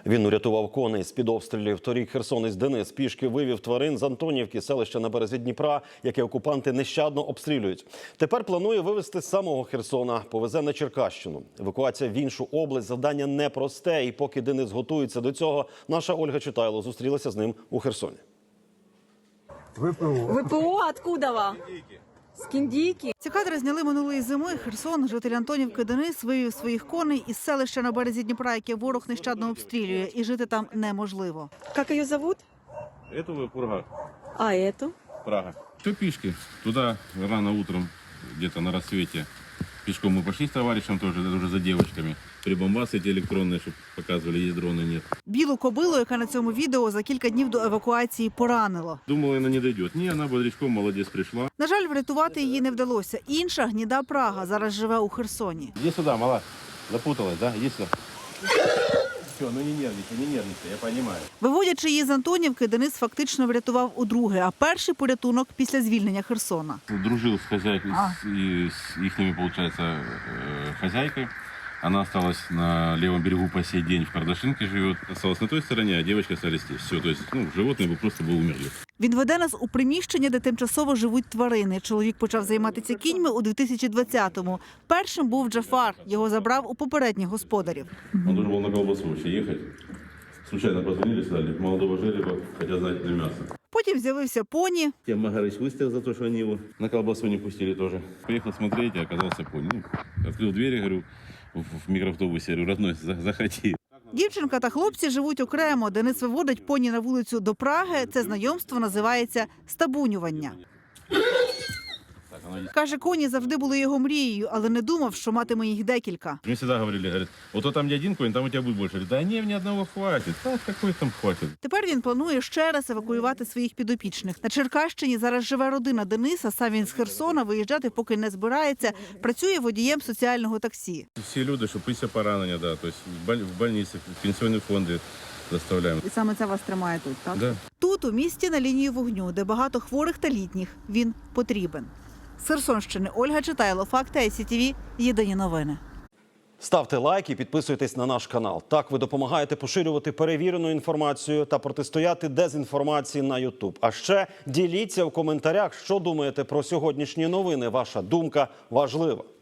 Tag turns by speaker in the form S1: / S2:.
S1: Він урятував коней з-під обстрілів. Торік херсонець Денис пішки вивів тварин з Антонівки, селища на березі Дніпра, яке окупанти нещадно обстрілюють. Тепер планує вивезти з самого Херсона, повезе на Черкащину. Евакуація в іншу область – завдання непросте. І поки Денис готується до цього, наша Ольга Читайло зустрілася з ним у Херсоні.
S2: ВПО откуда ви? З Кіндійки.
S3: Ці кадри зняли минулої зими. Херсон, житель Антонівки Денис, вивів своїх коней із селища на березі Дніпра, яке ворог нещадно обстрілює, і жити там неможливо.
S2: Як її зовут?
S4: Эту Пурга.
S2: А эту?
S4: Прага. Все пешки. Туда рано утром, где-то на рассвете. Пешком мы пошли с товарищем тоже, уже за девочками. Прибамбасы эти электронные, чтобы показывали, есть дроны, нет.
S3: Білу кобилу, яка на цьому відео за кілька днів до евакуації поранило.
S4: Думала, она не дойдет. Не, она бодрячком, молодец, пришла.
S3: На жаль, врятувати її не вдалося. Інша гніда Прага зараз живе у Херсоні.
S4: Иди сюда, мала. Запуталась, да? Иди сюда. Все, ну не нервничай, я понимаю.
S3: Виводячи її з Антонівки, Денис фактично врятував удруге, а перший порятунок після звільнення Херсона.
S4: Дружил с хозяйкой, с ихними, получается, хозяйкой. Она осталась на левом берегу по сей день, в Кардашинке живет. Осталась на той стороне, а девочка остались здесь. Все, то есть, животные бы просто бы умерли.
S3: Він веде нас у приміщення, де тимчасово живуть тварини. Чоловік почав займатися кіньми у 2020-му. Першим був Джафар. Його забрав у попередніх господарів.
S4: Он должен был на колбасу вообще ехать. Случайно позвонили, сказали, молодого жереба, хотят знать для мяса.
S3: Потім з'явився поні.
S4: Тем Магарыч выставил за то, что они его на колбасу не пустили тоже. Приехал смотреть, и оказался пони. Открыл двери, говорю, в микроавтобусе, говорю, родной, заходи.
S3: Дівчинка та хлопці живуть окремо. Денис виводить поні на вулицю до Праги. Це знайомство називається стабунювання. Каже, коні завжди були його мрією, але не думав, що матиме їх декілька.
S4: Мне всегда говорили, говорят, вот там не один конь, там у тебя будет больше. Говорю, да не, мне одного хватит. Так, какой там хватит?
S3: Тепер він планує ще раз евакуювати своїх підопічних. На Черкащині зараз живе родина Дениса, сам він з Херсона, виїжджати поки не збирається, працює водієм соціального таксі.
S4: Все люди, что пися поранения, да, то есть в больнице, в пенсионные фонды доставляем.
S3: І саме це вас тримає тут, так?
S4: Да.
S3: Тут, у місті на лінії вогню, де багато хворих та літніх, він потрібен. З Херсонщини Ольга Читайло, Факти ICTV, єдині новини.
S1: Ставте лайк і підписуйтесь на наш канал. Так ви допомагаєте поширювати перевірену інформацію та протистояти дезінформації на YouTube. А ще діліться в коментарях, що думаєте про сьогоднішні новини. Ваша думка важлива.